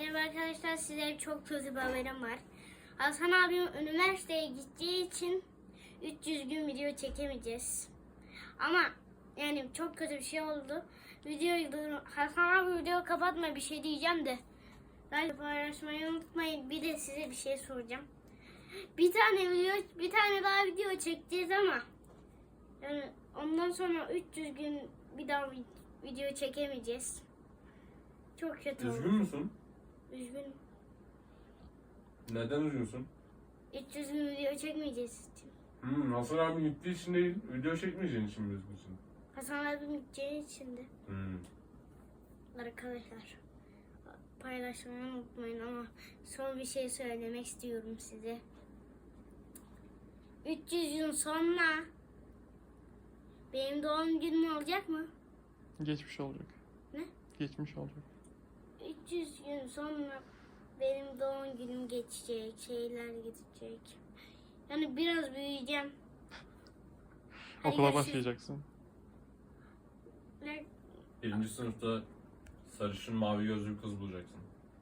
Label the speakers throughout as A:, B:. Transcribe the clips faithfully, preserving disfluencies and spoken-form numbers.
A: Merhaba arkadaşlar, size çok kötü bir haberim var. Hasan abim üniversiteye gideceği için üç yüz gün video çekemeyeceğiz. Ama yani çok kötü bir şey oldu. Videoyu dur- Hasan abi video kapatma, bir şey diyeceğim de. Like paylaşmayı unutmayın. Bir de size bir şey soracağım. Bir tane video, bir tane daha video çekeceğiz ama yani ondan sonra üç yüz gün bir daha video çekemeyeceğiz. Çok kötü oldu.
B: Üzgün müsün?
A: Üzgünüm.
B: Neden üzgünsün?
A: üç yüz gün video çekmeyeceğiz için.
B: Hmm, Hasan abi gittiği için değil, video çekmeyeceğin için mi üzgünsün?
A: Hasan abim gideceği için de.
B: Hmm.
A: Arkadaşlar paylaşmayı unutmayın ama son bir şey söylemek istiyorum size. üç yüz gün sonra benim doğum günüm olacak mı?
C: Geçmiş olacak.
A: Ne?
C: Geçmiş olacak.
A: üç yüz gün sonra benim doğum günüm geçecek, şeyler gidecek. Yani biraz büyüyeceğim. Hadi
C: Okula
A: görüşürüz.
C: başlayacaksın.
A: Ne?
B: Birinci sınıfta sarışın mavi gözlü bir kız bulacaksın.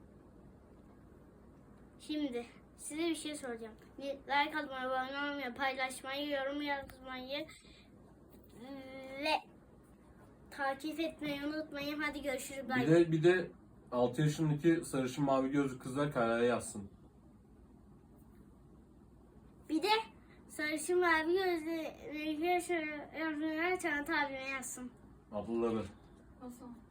A: Şimdi size bir şey soracağım. Like atmayı, abone olmayı, paylaşmayı, yorum yazmayı ve takip etmeyi unutmayın. Hadi görüşürüz.
B: Bir
A: Bye.
B: de bir de altı yaşındaki sarışın mavi gözlü kızlar karaya yazsın.
A: Bir de sarışın mavi gözlü yazanlar Çağatay abime yazsın.
B: Ablaları.
A: Nasıl?